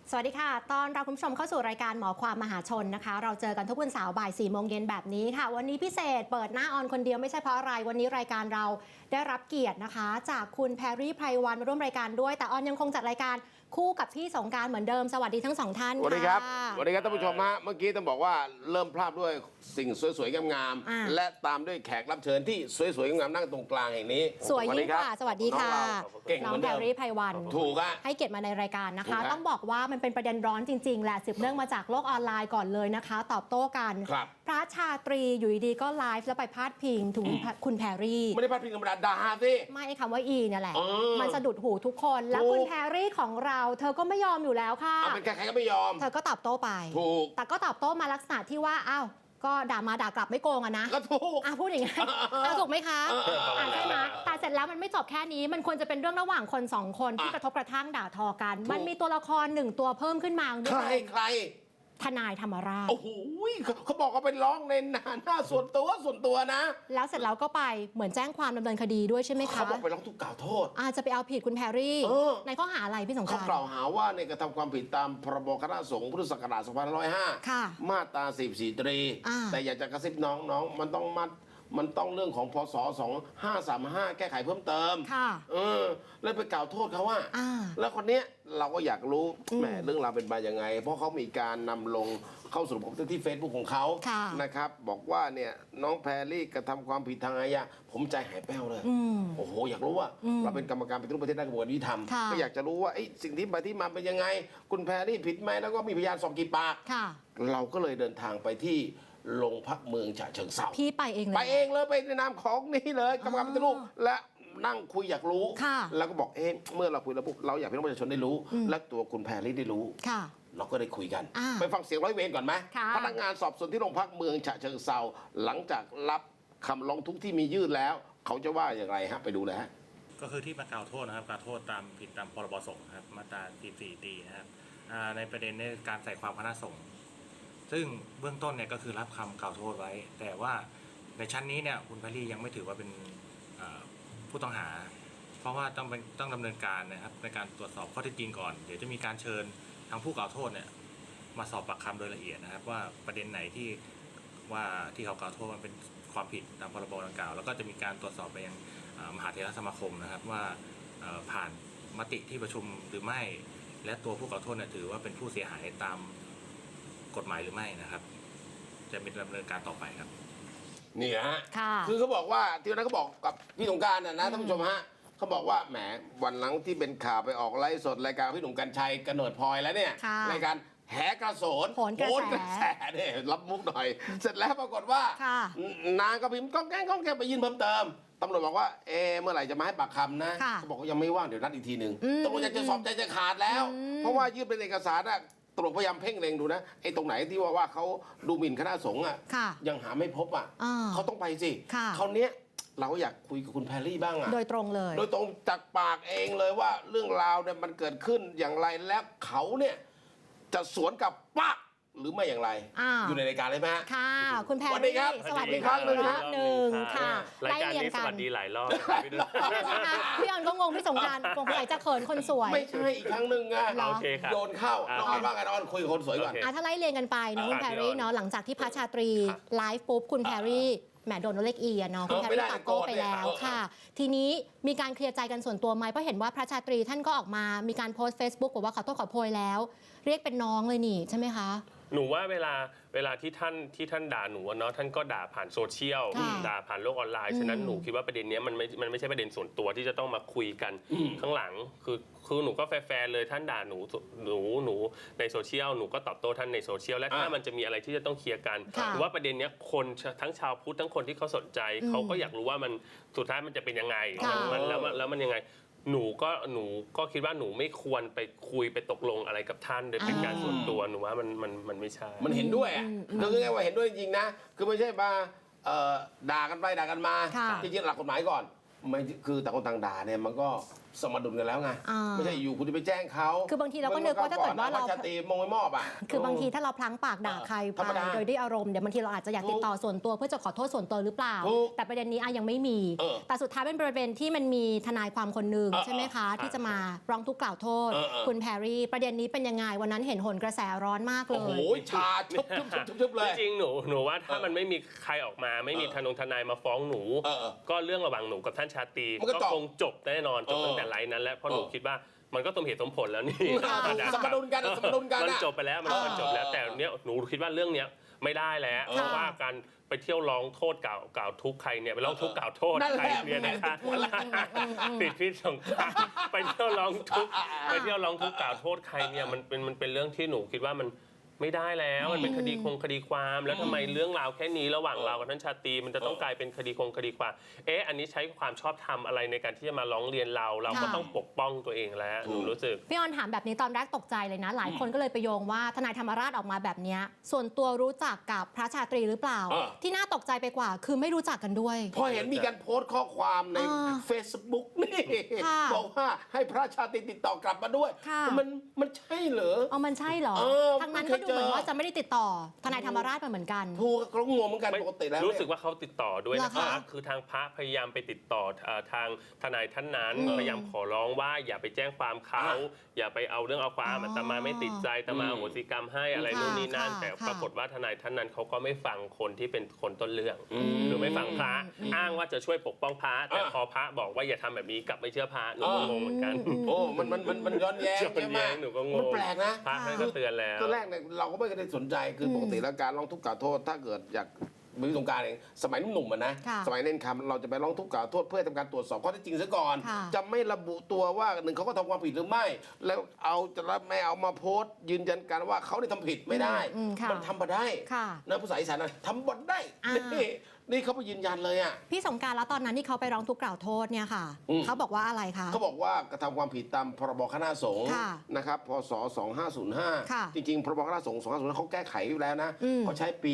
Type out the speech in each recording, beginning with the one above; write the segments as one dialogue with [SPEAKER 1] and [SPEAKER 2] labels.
[SPEAKER 1] สวัสดีค่ะตอนเราคุณผู้ชมเข้าสู่รายการหมอความมหาชนนะคะเราเจอกันทุกวันเสาร์บ่าย4 โมงเย็นแบบนี้ค่ะวันนี้พิเศษเปิดหน้าออนคนเดียวไม่ใช่เพราะอะไรวันนี้รายการเราได้รับเกียรตินะคะจากคุณแพรรี่ไพรวันมาร่วมรายการด้วยแต่ออนยังคงจัดรายการคู่กับพี่สงกรานต์เหมือนเดิมสวัสดีทั้งสองท่านค่ะ
[SPEAKER 2] สวัสดีครับสวัสดีครับท่านผู้ชมฮะเมื่อกี้ต้องบอกว่าเริ่มพลาดด้วยสิ่งสวยๆงามๆและตามด้วยแขกรับเชิญที่สวยๆงามๆนั่งตรงกลางแห่งนี้
[SPEAKER 1] สวยยิ่งกว่าสวัสดีค่ะน้องแพรรี่ไพรวัน
[SPEAKER 2] ถูกอะ
[SPEAKER 1] ให้เกียรติมาในรายการนะคะต้องบอกว่ามันเป็นประเด็นร้อนจริงๆแหละสืบเนื่องมาจากโลกออนไลน์ก่อนเลยนะคะตอบโต้กันพระชาตรีอยู่ดีๆก็ไลฟ์แล้วไปพาดพิงถึงคุณแพรรี่
[SPEAKER 2] ไม่ได้พาดพิงธรรมดาด่าสิ
[SPEAKER 1] ไม่คำว่าอีเนี่ยแหละมันสะดุดหูทุกคนแล้วคุณแพรรี่ของเราเธอก็ไม่ยอมอยู่แล้วค่ะ
[SPEAKER 2] เป็นใครๆก็ไม่ยอม
[SPEAKER 1] เธอก็ตอบโต้ไป
[SPEAKER 2] ถูก
[SPEAKER 1] แต่ก็ตอบโต้มาลักษณะที่ว่าอ้าวก็ด่ามาด่ากลับไม่โกงอะนะ
[SPEAKER 2] ก็ถูก
[SPEAKER 1] พูดอย่างนี้ถูกไหมคะใช่ไหมแต่เสร็จแล้วมันไม่จบแค่นี้มันควรจะเป็นเรื่องระหว่างคนสองคนที่กระทบกระทั่งด่าทอกันมันมีตัวละครหนึ่งตัวเพิ่มขึ้นมา
[SPEAKER 2] ใคร
[SPEAKER 1] ทนายธรรมราช
[SPEAKER 2] โอ้โหเขาบอกว่าเป็นร้องในหน้าส่วนตัวนะ
[SPEAKER 1] แล้วเสร็จแล้วก็ไปเหมือนแจ้งความดำเนินคดีด้วยใช่ไหมคะ
[SPEAKER 2] เขาบอกไปร้องทุกข์กล่าวโทษ
[SPEAKER 1] จะไปเอาผิดคุณแพรรี่ในข้อหาอะไรพี่สงกรานต์
[SPEAKER 2] เขากล่าวหาว่าในกระทำความผิดตามพรบคณะสงฆ์พุทธศักราช2505มาตรา44 ตรีแต่อยากจะกระซิบน้องมันต้องเรื่องของพศ2535แก้ไขเพิ่มเติมแล้วไปกล่าวโทษเขาว่าแล้วคนเนี้ยเราก็อยากรู้แหมเรื่องราวเป็นมายังไงเพราะเขามีการนำลงเข้าสู่ระบบที่ Facebook ของเขานะครับบอกว่าเนี่ยน้องแพรรี่กระทำความผิดทางอาญาผมใจหายแป้วเลยโอ้โหอยากรู้ว่าเราเป็นกรรมการปฏิรูปประเทศด้านกระบวนการยุติธรรมก็อยากจะรู้ว่าสิ่งที่มาเป็นยังไงคุณแพรรี่ผิดไหมแล้วก็มีพยานสอบกี่ปากเราก็เลยเดินทางไปที่โรงพักเมืองฉะเชิงเทรา
[SPEAKER 1] พี่ไปเองเลย
[SPEAKER 2] ไปในนามของนี่เลยกรรมการปฏิรูปและนั่งคุยอยากรู้แล้วก็บอกเมื่อเราคุยแล้วปุ๊บเราอยากให้พี่น้องประชาชนได้รู้และตัวคุณแพรรี่ได้รู้เราก็ได้คุยกันไปฟังเสียงร้อยเวรก่อนไหมพนักงานสอบสวนที่โรงพักเมืองฉะเชิงเทราหลังจากรับคำร้องทุกข์ที่มียื่นแล้วเขาจะว่าอย่างไรฮะไปดูเลยฮะ
[SPEAKER 3] ก็คือที่มากล่าวโทษนะครับกล่าวโทษตามผิดตามพรบสงฆ์ครับมาตรา44 ตีนะครับในประเด็นในการใส่ความคณะสงฆ์ซึ่งเบื้องต้นเนี่ยก็คือรับคำกล่าวโทษไว้แต่ว่าในชั้นนี้เนี่ยคุณแพรรี่ยังไม่ถือว่าเป็นผู้ต้องหาเพราะว่าต้องดำเนินการนะครับในการตรวจสอบข้อเท็จจริงก่อนเดี๋ยวจะมีการเชิญทางผู้กล่าวโทษเนี่ยมาสอบปากคำโดยละเอียดนะครับว่าประเด็นไหนที่เขากล่าวโทษมันเป็นความผิดตามพรบดังกล่าวแล้วก็จะมีการตรวจสอบไปยังมหาเถรสมาคมนะครับว่าผ่านมติที่ประชุมหรือไม่และตัวผู้กล่าวโทษเนี่ยถือว่าเป็นผู้เสียหายตามกฎหมายหรือไม่นะครับจะเป็นดำเนินการต่อไปครับ
[SPEAKER 2] นี่ฮะคือเขาบอกว่าที่นั้นเขาบอกกับพี่สงกรานต์นะท่านผู้ชมฮะเขาบอกว่าแหมวันหลังที่เป็นข่าวไปออกไลฟ์สดรายการพี่หนุ่มกัญชัยกระโนดพลอยแล้วเนี่ยรายการแหกระโสน
[SPEAKER 1] โหนกระแส
[SPEAKER 2] เนี่ยรับมุกหน่อยเสร็จแล้วปรากฏว่านางก็พิมพ์ก้องแก้งไปยื่นเพิ่มเติมตำรวจบอกว่าเมื่อไหร่จะมาให้ปากคำนะเขาบอกว่ายังไม่ว่างเดี๋ยวนัดอีกทีหนึ่งตำรวจจะสอบใจจะขาดแล้วเพราะว่ายื่นเป็นเอกสารอะตำรวจพยายามเพ่งเล็งดูนะตรงไหนที่ว่าเขาดูหมิ่นคณะสงฆ์ยังหาไม่พบเขาต้องไปสิคราวนี้เราอยากคุยกับคุณแพรรี่บ้าง
[SPEAKER 1] โดยตรงเลย
[SPEAKER 2] โดยตรงจากปากเองเลยว่าเรื่องราวเนี่ยมันเกิดขึ้นอย่างไรแล้วเขาเนี่ยจะสวนกับปักหรือไม่อย่างไรอยู่ในรายการเลยไหม
[SPEAKER 1] ค่ะคุณแพรรี่
[SPEAKER 2] สวัสดีครับ
[SPEAKER 1] สวัสดีครั้งหนึ่งค่ะ
[SPEAKER 3] รายการนี้สวัสดีหลายรอบ
[SPEAKER 1] พี่ออนก็งงพี่สงกรานต์สงสัยจะเขินคนสวย
[SPEAKER 2] ไม่ใช่อีกครั้งหนึ่งโยนเข้าน้องออนว่าไงน้องออนคุยกับคนสวยก่อน
[SPEAKER 1] ถ้าไล่เรียงกันไปนะคุณแพรรี่เนาะหลังจากที่พระชาตรีไลฟ์ปุ๊บคุณแพรรี่แหมโดนเลขอีเนาะคุณแพรรี่ตอบโต้ไปแล้วค่ะทีนี้มีการเคลียร์ใจกันส่วนตัวไหมเพราะเห็นว่าพระชาตรีท่านก็ออกมามีการโพสต์ Facebook บอกว่าขอโทษขอโพยแล้วเรียกเป็นน้องเลยนี่ใช่ไหมคะ
[SPEAKER 4] หนูว่าเวลาที่ท่านด่าหนูเนาะท่านก็ด่าผ่านโซเชียลด่าผ่านโลกออนไลน์ฉะนั้นหนูคิดว่าประเด็นนี้มันไม่ใช่ประเด็นส่วนตัวที่จะต้องมาคุยกันข้างหลังคือหนูก็แฟร์เลยท่านด่าหนูในโซเชียลหนูก็ตอบโต้ท่านในโซเชียลและถ้ามันจะมีอะไรที่จะต้องเคลียร์กันหรือว่าประเด็นนี้คนทั้งชาวพุทธทั้งคนที่เขาสนใจเขาก็อยากรู้ว่ามันสุดท้ายมันจะเป็นยังไงแล้วมันยังไงหนูก็คิดว่าหนูไม่ควรไปคุยไปตกลงอะไรกับท่านโดยเป็นการส่วนตัวหนูว่ามันไม่ใช่
[SPEAKER 2] มันเห็นด้วยคือไงว่าเห็นด้วยจริงๆนะคือไม่ใช่มาด่ากันไปด่ากันมาจริงๆหลักกฎหมายก่อนไม่คือต่างคนต่างด่าเนี่ยมันก็สมดุลกันแล้วไง
[SPEAKER 1] อ่า
[SPEAKER 2] ไม่ใช่อยู่คุณจะไปแจ้งเขา
[SPEAKER 1] คือบางทีเราก็นึกว่าถ้าเกิดว่าเรา
[SPEAKER 2] ชาตรีมงไม่มอบอ่ะ
[SPEAKER 1] คือบางทีถ้าเราพลั้งปากด่าใคร
[SPEAKER 2] ธรรม
[SPEAKER 1] ไป
[SPEAKER 2] ดา
[SPEAKER 1] โดยด้วยอารมณ์เดี๋ยวบางทีเราอาจจะอยากติดต่อส่วนตัวเพื่อจะขอโทษส่วนตัวหรือเปล่า
[SPEAKER 2] ถูก
[SPEAKER 1] แต่ประเด็นนี้ยังไม่มี แต่สุดท้ายเป็นประเด็นที่มันมีทนายความคนหนึ่งใช่ไหมคะที่จะมาร้องทุกข์กล่าวโทษ คุณแพรรี่ประเด็นนี้เป็นยังไงวันนั้นเห็นหนกระแสร้อนมากเล
[SPEAKER 2] โอ้โห
[SPEAKER 1] ย
[SPEAKER 2] ชาชุบเลย
[SPEAKER 4] จริงๆหนูว่าถ้ามันไม่มีใครออกมาไม่มีทนายมาฟ้องหนู ก็เรื่องระหว่างหนูกับท่านชาตรี
[SPEAKER 2] มันก็
[SPEAKER 4] ก็คงจบแน่นอนจบตั้งแต่ไลน์นั้นแล้วเพราะหนูคิดว่ามันก็สมเหตุสมผลแล้วนี่
[SPEAKER 2] สมดุลกันสมดุลกัน
[SPEAKER 4] มันจบไปแล้วมันจบแล้วแต่เนี้ยหนูคิดว่าเรื่องเนี้ยไม่ได้แล้วเพราะว่าการไปเที่ยวร้องโทษกล่าวทุกข์ใครเนี่ยไปร้องทุกข์กล่าวโทษใครเนี่ยนะคะติดพิษสงครามไปเที่ยวร้องทุกข์กล่าวโทษใครเนี่ยมันเป็นเรื่องที่หนูคิดว่ามันไม่ได้แล้วมันเป็นคดีความแล้วทำไมเรื่องราวแค่นี้ระหว่างเรากับท่านชาตรีมันจะต้องกลายเป็นคดีความอันนี้ใช้ความชอบธรรมอะไรในการที่จะมาร้องเรียนเราก็ต้องปกป้องตัวเองแล้วหนูรู้สึก
[SPEAKER 1] พี่ออนถามแบบนี้ตอนแรกตกใจเลยนะ หลายคนก็เลยไปโยงว่าทนายธรรมราชออกมาแบบนี้ส่วนตัวรู้จักกับพระชาตรีหรือเปล่า ที่น่าตกใจไปกว่าคือไม่รู้จักกันด้วย
[SPEAKER 2] พอเห็นมีการโพสต์ข้อความใน Facebook นี่บอกว่าให้พระชาตรีติดต่อกลับมาด้วยมันใช่เหรอ
[SPEAKER 1] มันใช่เหรอทางนั้นก็ดูเหมือนว่าจะไม่ได้ติดต่อทนายธรรมราชมาเหมือนกัน
[SPEAKER 2] ถูกเขางงเหมือนกันปกติแล้ว
[SPEAKER 4] รู้สึกว่าเขาติดต่อด้วยนะคะคือทางพระพยายามไปติดต่อทางทนายท่านนั้นพยายามขอร้องว่าอย่าไปแจ้งความเขาอย่าไปเอาเรื่องเอาความอาตมาไม่ติดใจอาตมาโหสิกรรมให้อะไรนู่นนี่นั่นแต่ปรากฏว่าทนายท่านนั้นเขาก็ไม่ฟังคนที่เป็นคนต้นเรื่องหรือไม่ฟังพระอ้างว่าจะช่วยปกป้องพระแต่พอพระบอกว่าอย่าทำแบบนี้กลับไม่เชื่อพระหนูก็งงเหมือนกัน
[SPEAKER 2] โอ้มันย้อนแย้งใช่ไหม
[SPEAKER 4] หนูก็งง
[SPEAKER 2] มันแปลกนะ
[SPEAKER 4] พระท่านก็เตือนแล้ว
[SPEAKER 2] ตอนแรกเนี่ยเราก็ไม่ได้สนใจคือปกติแล้วการร้องทุกข์กล่าวโทษถ้าเกิดอยากมีสงการเองสมัยหนุ่มๆนะสมัยเน้นคำเราจะไปร้องทุกข์กล่าวโทษเพื่อทำการตรวจสอบข้อเท็จจริงซะก่อนจะไม่ระบุตัวว่าหนึ่งเขาก็ทำความผิดหรือไม่แล้วไม่เอามาโพสต์ยืนยันกันว่าเขาได้ทำผิดไม่ได้มันทำมาได้นะภาษาอีสานนะทำบ่ได้นี่เขาไปยืนยันเลยอ่ะ
[SPEAKER 1] พี่สงกรานต์แล้วตอนนั้นที่เขาไปร้องทุกข์กล่าวโทษเนี่ยค่ะเขาบอกว่าอะไรคะ
[SPEAKER 2] เขาบอกว่ากระทำความผิดตามพรบคณะสงฆ์นะครับพศ2505จริงๆพรบคณะสงฆ์2505เขาแก้ไขไว้แล้วนะเขาใช้ปี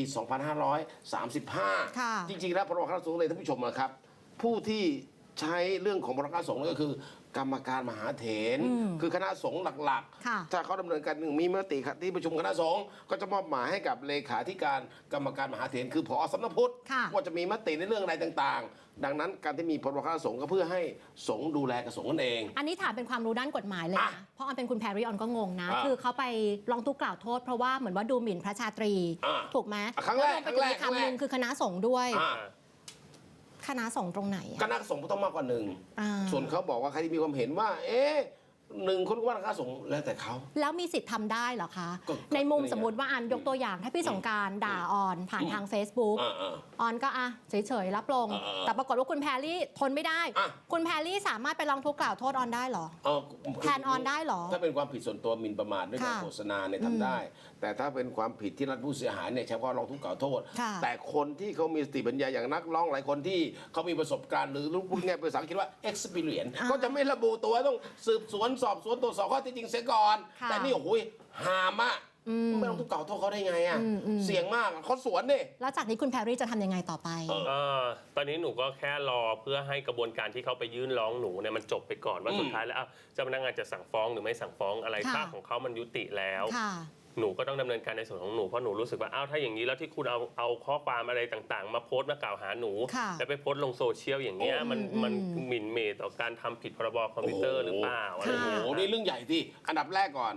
[SPEAKER 2] 2535จริงๆแล้วพรบคณะสงฆ์เลยท่านผู้ชมนะครับผู้ที่ใช้เรื่องของพรบคณะสงฆ์ก็คือกรรมการมหาเถรคือคณะสงฆ์หลักๆถ้าเขาดำเนินการมีมติที่ประชุมคณะสงฆ์ก็จะมอบหมายให้กับเลขาธิการกรรมการมหาเถรคือผอสำนักพุทธว่าจะมีมติในเรื่องอะไรต่างๆดังนั้นการที่มีพรบคณะสงฆ์ก็เพื่อให้สงฆ์ดูแลกับสงฆ์นั่นเอง
[SPEAKER 1] อันนี้ถามเป็นความรู้ด้านกฎหมายเลยนะเพราะออนเป็นคุณแพรรี่ออนก็งงนะคือเขาไปร้องทุกข์กล่าวโทษเพราะว่าเหมือนว่าดูหมิ่นพระชาตรีถูกไหม
[SPEAKER 2] ครั้งแรก
[SPEAKER 1] คำนึงคือคณะสงฆ์ด้วยคณะสงฆ์ตรงไหน
[SPEAKER 2] คณะสงฆ์ต้องมากกว่าหนึ่งส่วนเขาบอกว่าใครที่มีความเห็นว่าหนึ่งคนว่าคณะสงฆ์แล้วแต่เขา
[SPEAKER 1] แล้วมีสิทธิ์ทำได้เหรอคะในมุมสมมติว่าอันยกตัวอย่างถ้าพี่สงกรานต์ด่าออนผ่านทาง Facebook ออนก็เฉยๆรับลงแต่ปรากฏว่าคุณแพรรี่ทนไม่ได้คุณแพรรี่สามารถไปร้องทุกข์กล่าวโทษออนได้เหรอแทนออนได้เหรอ
[SPEAKER 2] ถ้าเป็นความผิดส่วนตัวหมิ่นประมาทด้วยการโฆษณาเนี่ยทำได้แต่ถ้าเป็นความผิดที่รัฐผู้เสียหายเนี่ยเฉพาะร้องทุกข์กล่าวโทษแต่คนที่เขามีสติปัญญาอย่างนักร้องหลายคนที่เขามีประสบการณ์หรือรู้พูดง่ายภาษาอังกฤษว่า experience ก็จะไม่ระบุตัวต้องสืบสวนสอบสวนตรวจสอบข้อเท็จจริงเสียก่อนแต่นี่โอ้โหหามะไม่ต้องทุกข์กล่าวโทษเขาได้ไงเสี่ยงมากเขาสวนนี่
[SPEAKER 1] แล้วจากนี้คุณแพรรี่จะทำยังไงต่อไป
[SPEAKER 4] ตอนนี้หนูก็แค่รอเพื่อให้กระบวนการที่เขาไปยื่นร้องหนูเนี่ยมันจบไปก่อนว่าสุดท้ายแล้วเจ้าพนักงานจะสั่งฟ้องหรือไม่สั่งฟ้องอะไรค่าของเขามันยุติแล้วหนูก็ต้องดำเนินการในส่วนของหนูเพราะหนูรู้สึกว่าถ้าอย่างนี้แล้วที่คุณเอาข้อความอะไรต่างๆมาโพสต์มากล่าวหาหนูแล้วไปโพสต์ลงโซเชียลอย่างเงี้ยมันหมิ่นเหม่ต่อการทำผิดพรบคอมพิวเตอร์หรือเปล่าอะไรอย่างเงี้ย
[SPEAKER 2] นี่เรื่องใหญ่ที่อันดับแรกก่อน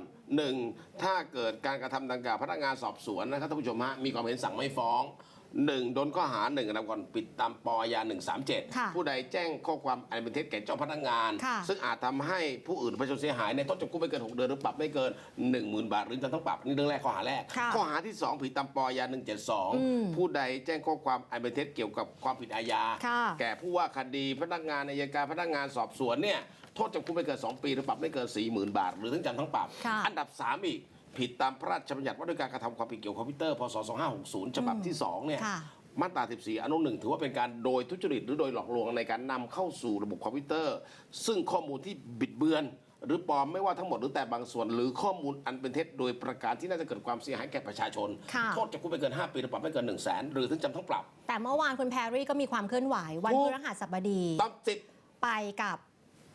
[SPEAKER 2] 1ถ้าเกิดการกระทำดังกล่าวพนักงานสอบสวนนะครับท่านผู้ชมมีความเห็นสั่งไม่ฟ้องโดนข้อหาอันดับก่อนผิดตามปยา137ผู้ใดแจ้งข้อความอันเป็นเท็จแก่เจ้าพนักงานซึ่งอาจทำให้ผู้อื่นประชาชนเสียหายในโทษจำคุกไม่เกิน6 เดือนหรือปรับไม่เกิน 10,000 บาทหรือทั้งปรับนี่เรื่องแรกข้อหาแรกข้อหาที่2ผิดตามปยา172ผู้ใดแจ้งข้อความอันเป็นเท็จเกี่ยวกับความผิดอาญาแก่ผู้ว่าคดีพนักงานอัยการพนักงานสอบสวนเนี่ยโทษจำคุกไม่เกิน2 ปีหรือปรับไม่เกิน 40,000 บาทหรือทั้งจำทั้งปรับอันดับ3อีกผิดตามพระราชบัญญัติว่าด้วยการกระทำความผิดเกี่ยวกับคอมพิวเตอร์พศ2560ฉบับที่2เนี่ยมาตรา 14 อนุ 1ถือว่าเป็นการโดยทุจริตหรือโดยหลอกลวงในการนำเข้าสู่ระบบคอมพิวเตอร์ซึ่งข้อมูลที่บิดเบือนหรือปลอมไม่ว่าทั้งหมดหรือแต่บางส่วนหรือข้อมูลอันเป็นเท็จโดยประการที่น่าจะเกิดความเสียหายแก่ประชาชนโทษจำคุกไม่เกิน5 ปีหรือปรับไม่เกิน100,000หรือทั้งจำทั้งปรับ
[SPEAKER 1] แต่เมื่อวานคุณแพรรี่ก็มีความเคลื่อนไหววันพฤหัสบดี
[SPEAKER 2] ต้องติด
[SPEAKER 1] ไปกับ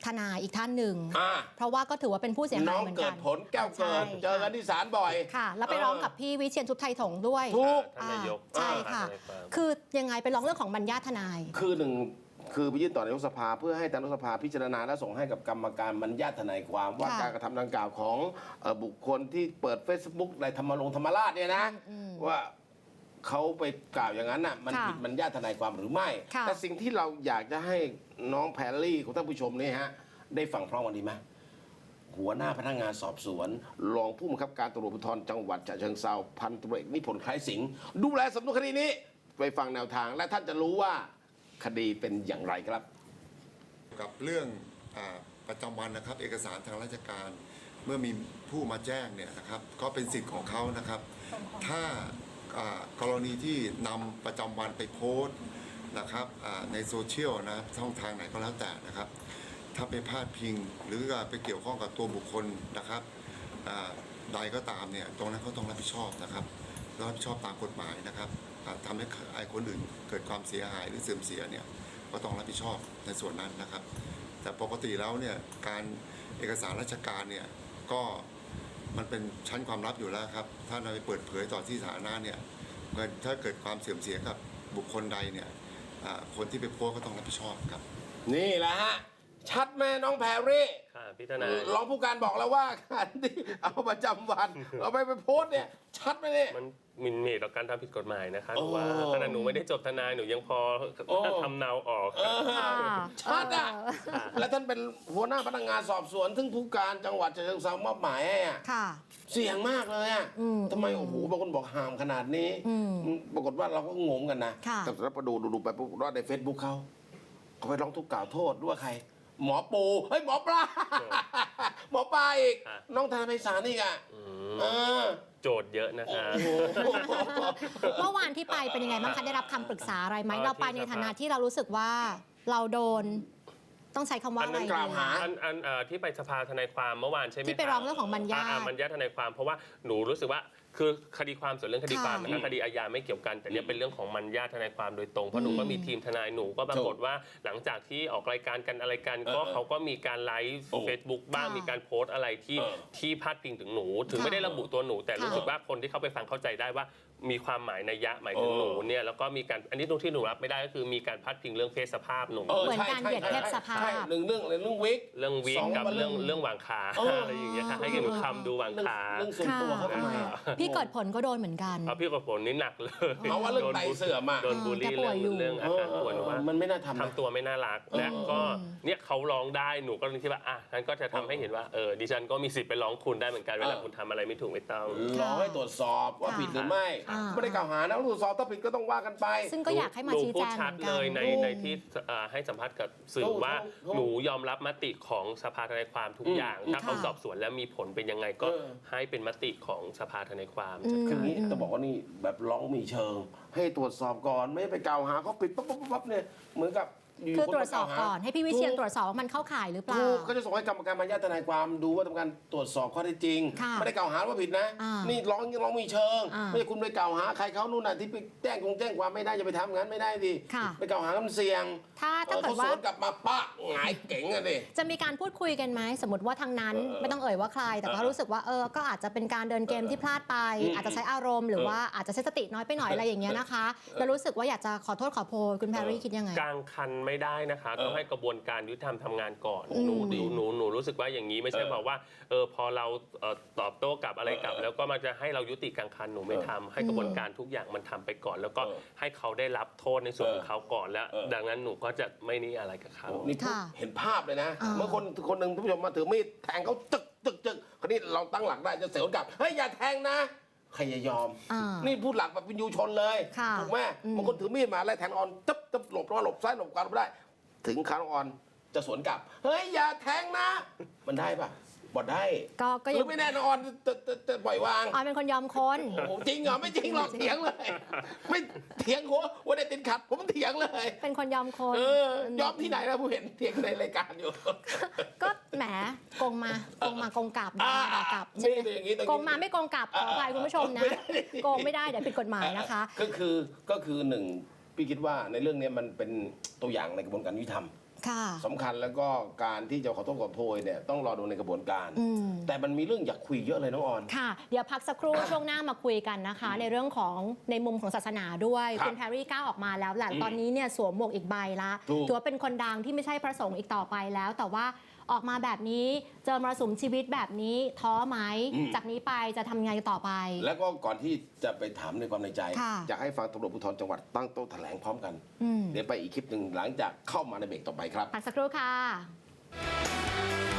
[SPEAKER 1] ทนายอีกท่านหนึ่ง
[SPEAKER 2] อ่า
[SPEAKER 1] เพราะว่าก็ถือว่าเป็นผู้เสียหา
[SPEAKER 2] น้
[SPEAKER 1] ย
[SPEAKER 2] อง
[SPEAKER 1] เหมือน
[SPEAKER 2] เกิ
[SPEAKER 1] กั
[SPEAKER 2] ด
[SPEAKER 1] น
[SPEAKER 2] ผลแก้วเกิด
[SPEAKER 1] ใช่
[SPEAKER 2] เจอกันที่ศาลบ่อย
[SPEAKER 1] ค่ะ แล้วไปร้องกับพี่วิเชียรชุบไทยถงด้วย
[SPEAKER 2] ถูก
[SPEAKER 4] ท่านนายก
[SPEAKER 1] ใช่ค่ะ
[SPEAKER 4] ทนายความ
[SPEAKER 1] คือยังไงไปร้องเรื่องของบรรยาทนาย
[SPEAKER 2] คือหนึ่งคือไปยื่นต่อนายกสภาเพื่อให้ทางนายกสภาพิจารณาและส่งให้กับกรรมการบรรยาทนายความว่า
[SPEAKER 1] ค่ะ
[SPEAKER 2] การกระทำดังกล่าวของบุคคลที่เปิด Facebook ในธรรมราชเนี่ยนะ ว่าเขาไปกล่าวอย่างนั้นน่ะมัน
[SPEAKER 1] ค่ะ
[SPEAKER 2] ผิดบรรยาทนายความหรือไม่
[SPEAKER 1] ค่ะ
[SPEAKER 2] แต่สิ่งที่เราอยากจะให้น้องแพรลี่ของท่านผู้ชมเนี่ยฮะได้ฟังพร้อมกันดีไหมหัวหน้าพนักงานสอบสวนรองผู้บังคับการตำรวจภูธรจังหวัดฉะเชิงเทราพันตำรวจเอกนิพนธ์คล้ายสิงห์ดูแลสำนวนคดีนี้ไปฟังแนวทางและท่านจะรู้ว่าคดีเป็นอย่างไรครับ
[SPEAKER 5] กับเรื่องประจำวันนะครับเอกสารทางราชการเมื่อมีผู้มาแจ้งเนี่ยนะครับก็เป็นสิทธิ์ของเขานะครับ ถ้ากรณีที่นำประจำวันไปโพสต์นะครับในโซเชียลนะช่องทางไหนก็แล้วแต่นะครับ ถ้าไปพาดพิงหรือไปเกี่ยวข้องกับตัวบุคคลนะครับใดก็ตามเนี่ยตรงนั้นเขาต้องรับผิดชอบนะครับรับผิดชอบตามกฎหมายนะครับทำให้คนอื่นเกิดความเสียหายหรือเสื่อมเสียเนี่ยก็ต้องรับผิดชอบในส่วนนั้นนะครับ แต่ปกติแล้วเนี่ยการเอกสารราชการเนี่ยก็มันเป็นชั้นความลับอยู่แล้วครับถ้านำไปเปิดเผยต่อที่สาธารณะเนี่ยถ้าเกิดความเสื่อมเสียกับบุคคลใดเนี่ยคนที่ไปโพสต์ก็ต้องรับผิดชอบครับ
[SPEAKER 2] นี่แหละฮะชัดไหมน้องแพรรี่
[SPEAKER 4] ค่ะพี่ทนาย
[SPEAKER 2] รองผู้การบอกแล้วว่าการที่เอาประจำวันเอาไปโพสต์เนี่ยชัดไหมเนี่ย
[SPEAKER 4] มันหมินเหมต่อการทำผิดกฎหมายนะคะห
[SPEAKER 2] โอ้
[SPEAKER 4] นูว่าขณะหนูไม่ได้จบทนายหนูยังพอ
[SPEAKER 2] โอ้
[SPEAKER 4] ทำเนาออก
[SPEAKER 1] ค่ะ
[SPEAKER 2] ชัดอ่ะและท่านเป็นหัวหน้าพนักงานสอบสวนซึ่งผู้การจังหวัดฉะเชิงเทรามอบหมายให้อ่ะ
[SPEAKER 1] ค่ะ
[SPEAKER 2] เสี่ยงมากเลยอ่ะ ทำไมโอ้โหบางคนบอกห่ามขนาดนี้ ปรากฏว่าเราก็งงกันนะ
[SPEAKER 1] ค่ะ
[SPEAKER 2] แต่แล้วพอดูไปปุ๊บว่าในเฟซบุ๊กเขาไปร้องทุกข์กล่าวโทษด้วยใคร หมอปูเฮ้ยหมอปลา หมอปลาอีก
[SPEAKER 4] ค่ะ
[SPEAKER 2] น้องทนายไพศาลอีกอ่ะเออ
[SPEAKER 4] โจทย์เยอะนะคะ
[SPEAKER 2] โอ้โห
[SPEAKER 1] เมื่อวานที่ไปเป็นยังไงบ้างคะได้รับคำปรึกษาอะไรไหม
[SPEAKER 4] ที่
[SPEAKER 1] เราไปในฐานะที่เรารู้สึกว่าเราโดนต้องใช้คำว่าอะไร
[SPEAKER 2] อันนั้นกล่าว
[SPEAKER 1] ดี
[SPEAKER 2] หา
[SPEAKER 4] ที่ไปสภาทนายความเมื่อวานใช่ไหม
[SPEAKER 1] ที่ไปร้องเรื่องของบรรยาท
[SPEAKER 4] บรรยาทนายความเพราะว่าหนูรู้สึกว่าคือคดีความส่วนเรื่องคดีความนะคะคดีอาญาไม่เกี่ยวกันแต่เนี่ยเป็นเรื่องของบรรยาทนายความโดยตรงเพราะหนูก็มีทีมทนายหนูก็ปรากฏว่าหลังจากที่ออกรายการกันอะไรกันก็เขาก็มีการไลฟ์
[SPEAKER 2] โอ้
[SPEAKER 4] Facebook บ้าง
[SPEAKER 1] ค่ะ
[SPEAKER 4] มีการโพสต์อะไรที่
[SPEAKER 2] เออ
[SPEAKER 4] ที่พาดพิงถึงหนู ถึง
[SPEAKER 1] ค่ะ
[SPEAKER 4] ไม่ได้ระบุตัวหนู แต่
[SPEAKER 1] ค่ะ
[SPEAKER 4] รู้สึกว่าคนที่เข้าไปฟังเข้าใจได้ว่ามีความหมายนัยยะหมายถึงหนูเนี่ยแล้วก็มีการอันนี้ตรงที่หนูรับไม่ได้ก็คือมีการพาดพิงเรื่องเพศสภาพหนู
[SPEAKER 1] เหมือนการเหยียดเพศสภาพ
[SPEAKER 2] ใช่หนึ่งเรื่องวิก
[SPEAKER 4] เรื่องวิ
[SPEAKER 2] ส
[SPEAKER 4] ก
[SPEAKER 2] อง
[SPEAKER 4] กับ
[SPEAKER 2] มัน
[SPEAKER 4] เรื่องวางขา
[SPEAKER 2] เอออ
[SPEAKER 4] อะไรอย่างเงี้ยค่ะให้หนูคำดูวางขา
[SPEAKER 2] เรื่องส่วนตัวเขาทำไมอะ
[SPEAKER 1] พี่เกิดผลก็โดนเหมือนกัน
[SPEAKER 4] เอาพี่กับผลนี่หนักเลย
[SPEAKER 2] เอาว่าเรื่องไตเสื่อมอะ
[SPEAKER 4] โดนบูลลี่
[SPEAKER 1] แกป่วยอยู่
[SPEAKER 4] เรื่องอาการป่วยหนูว่า
[SPEAKER 2] มันไม่น่าทำนะ
[SPEAKER 4] ทำตัวไม่น่ารักและก็เนี่ยเขาร้องได้หนูก็เลยคิดว่าอ่ะงั้นก็จะทำให้เห็นว่าดิฉันก็มีสิทธิ์ไปร้องคุณได้เหมือนกันเวลาคุณทำอะไรไม่ถูกไม่ต้อง
[SPEAKER 2] รอให้ตรวจสอบว่าผิดหรือไม่
[SPEAKER 1] อ่า
[SPEAKER 2] ไม่ได้กล่าวหานะตรวจสอบถ้าผิดก็ต้องว่ากันไป
[SPEAKER 1] ซึ่งก็อยากให้มาชี้
[SPEAKER 4] หนูพู
[SPEAKER 1] แจ
[SPEAKER 4] ด
[SPEAKER 1] งเห
[SPEAKER 4] ชัด
[SPEAKER 1] มือน
[SPEAKER 4] เล
[SPEAKER 1] กัน
[SPEAKER 4] ยในที่ให้สัมภาษณ์กับสื่อ
[SPEAKER 2] ถูก
[SPEAKER 4] ว่า
[SPEAKER 2] ถูก
[SPEAKER 4] หนูยอมรับมติของสภาทนายความทุกอย่าง ถ้าเขา
[SPEAKER 1] ค่ะ
[SPEAKER 4] สอบสวนแล้วมีผลเป็นยังไงก็
[SPEAKER 2] เออ
[SPEAKER 4] ให้เป็นมติของสภาทนายความ
[SPEAKER 2] คืออย่างนี้ต้องบอกว่านี่แบบร้องมีเชิง ให้ตรวจสอบก่อนไม่ไปกล่าวหาเขาผิดปั๊บเนี่ยเหมือนกับอยู่
[SPEAKER 1] คือ
[SPEAKER 2] คน
[SPEAKER 1] ตรวจสอบ
[SPEAKER 2] มาก
[SPEAKER 1] ก่
[SPEAKER 2] ล่า
[SPEAKER 1] อน
[SPEAKER 2] หา
[SPEAKER 1] ให้พี่วิเชียรตรวจสอบว่ามันเข้าข่ายหรือเปล่า
[SPEAKER 2] ถูกเขาจะส่งให้กรรมการบรรยาทนายความดูว่าทำการตรวจสอบข้อเท็จจริง
[SPEAKER 1] ค่ะ
[SPEAKER 2] ไม่ได้กล่าวหาว่าผิดนะ
[SPEAKER 1] อ่า
[SPEAKER 2] นี่ร้องมีเชิง
[SPEAKER 1] อ่า
[SPEAKER 2] ไม่ใช่คุณไปกล่าวหาใครเขานู่นน่ะที่ไปแจ้งความไม่ได้จะไปทำงั้นไม่ได้ดิ
[SPEAKER 1] ค่ะ
[SPEAKER 2] ไปกล่าวหามันเสี่ยง
[SPEAKER 1] ถ้า
[SPEAKER 2] เขา
[SPEAKER 1] เกิด
[SPEAKER 2] ส
[SPEAKER 1] ว่า
[SPEAKER 2] วนกลับมาปะหงายเก๋งอะดิ
[SPEAKER 1] จะมีการพูดคุยกันไหมสมมติว่าทางนั้นไม่ต้องเอ่ยว่าใคร แต่ก็รู้สึกว่าก็อาจจะเป็นการเดินเกมที่พลาดไป อาจจะใช้อารมณ์หรือว่าอาจจะใช้สติน้อยไปหน่อยอะไรอย่างเงี้ยนะคะแล้วรู้สึกว่าอยากจะขอโทษขอโพยคุณแพรรี่คิดยังไง
[SPEAKER 4] กลางคันไม่ได้นะคะต้องให้กระบวนการยุติธรรมทำงานก่อน
[SPEAKER 1] อืม
[SPEAKER 4] หนูรู้สึกว่าอย่างนี้ไม่ใช่บอกว่าพอเราตอบโต้กลับอะไรกลับ แล้วก็มันจะให้เรายุติกลางคันหนูไม่ทำให้กระบวนการทุกอย่างมันทำไปก่อน แล้วก็ให้เขาได้รับโทษในส่วนของเขาก่อนแล้ว ดังนั้นหนูก็จะไม่นี่อะไรกับเขา
[SPEAKER 2] นี่พูด
[SPEAKER 1] ค่ะ
[SPEAKER 2] เห็นภาพเลยนะ
[SPEAKER 1] อ่า
[SPEAKER 2] เมื่อคนหนึ่งท่านผู้ชมมาถือมีดแทงเขาจึกคราวนี้เราตั้งหลักได้จะเสียวกลับเฮ้ยอย่าแทงนะใครจะยอม
[SPEAKER 1] อ่า
[SPEAKER 2] นี่พูดหลักแบบเป็นยูชนเลย
[SPEAKER 1] ค่ะ
[SPEAKER 2] ถูกไหม
[SPEAKER 1] อืม
[SPEAKER 2] บางคนถือมีดมาไล่แทงออนจับหลบซ้ายหลบขวาไม่ได้ ถึงขาออนจะสวนกลับ เฮ้ยอย่าแทงนะ มันได้ปะบ่ได้
[SPEAKER 1] ก็
[SPEAKER 2] ห
[SPEAKER 1] ยั
[SPEAKER 2] รื
[SPEAKER 1] ง
[SPEAKER 2] อไม่แน่นอนจะปล่อยวาง
[SPEAKER 1] ออยเป็นคนยอมคน
[SPEAKER 2] โอ้โหจริงเหรอไม่จริงหรอกเถียงเลย ไม่เถียงหัววันนี้ติดขัดผมเถียงเลย
[SPEAKER 1] เป็นคนยอมคน
[SPEAKER 2] ยอมที่ไหนนะผู้เห็นเถียงในรายการอยู่
[SPEAKER 1] ก็แหมโกงมาโกงกลับด่ากลับ
[SPEAKER 2] นี่อย่างนี้ตรงนี้
[SPEAKER 1] โกงมาไม่โกงกลับขออภัยคุณผู้ชมนะ โกงไม่ได้เดี๋ยวผิดกฎหมายนะคะ
[SPEAKER 2] ก็คือหนึ่งพี่คิดว่าในเรื่องนี้มันเป็นตัวอย่างในกระบวนการยุติธรรม
[SPEAKER 1] ค่ะ
[SPEAKER 2] สำคัญแล้วก็การที่จะขอโทษขอโพยเนี่ยต้องรอดูในกระบวนการ แต่มันมีเรื่องอยากคุยเยอะเลยน้องออน
[SPEAKER 1] ค่ะ เดี๋ยวพักสักครู่ ช่วงหน้ามาคุยกันนะคะ ในเรื่องของในมุมของศาสนาด้วย
[SPEAKER 2] ครับ
[SPEAKER 1] คุณแพรรี่ก้าวออกมาแล้วแหละตอนนี้เนี่ยสวมหมวกอีกใบละ
[SPEAKER 2] ถูก
[SPEAKER 1] ถือว่าเป็นคนดังที่ไม่ใช่พระสงฆ์อีกต่อไปแล้ว แต่ว่าออกมาแบบนี้เจอมรสุมชีวิตแบบนี้ท้อไหมจากนี้ไปจะทำยังไงต่อไป
[SPEAKER 2] แล้วก็ก่อนที่จะไปถามในความในใจ
[SPEAKER 1] ค่ะ
[SPEAKER 2] อยากให้ฟังตำรวจภูธรจังหวัดตั้งโต๊ะแถลงพร้อมกัน เดี๋ยวไปอีกคลิปหนึ่งหลังจากเข้ามาในเบรกต่อไปครับ
[SPEAKER 1] พักสักครู่ค่ะ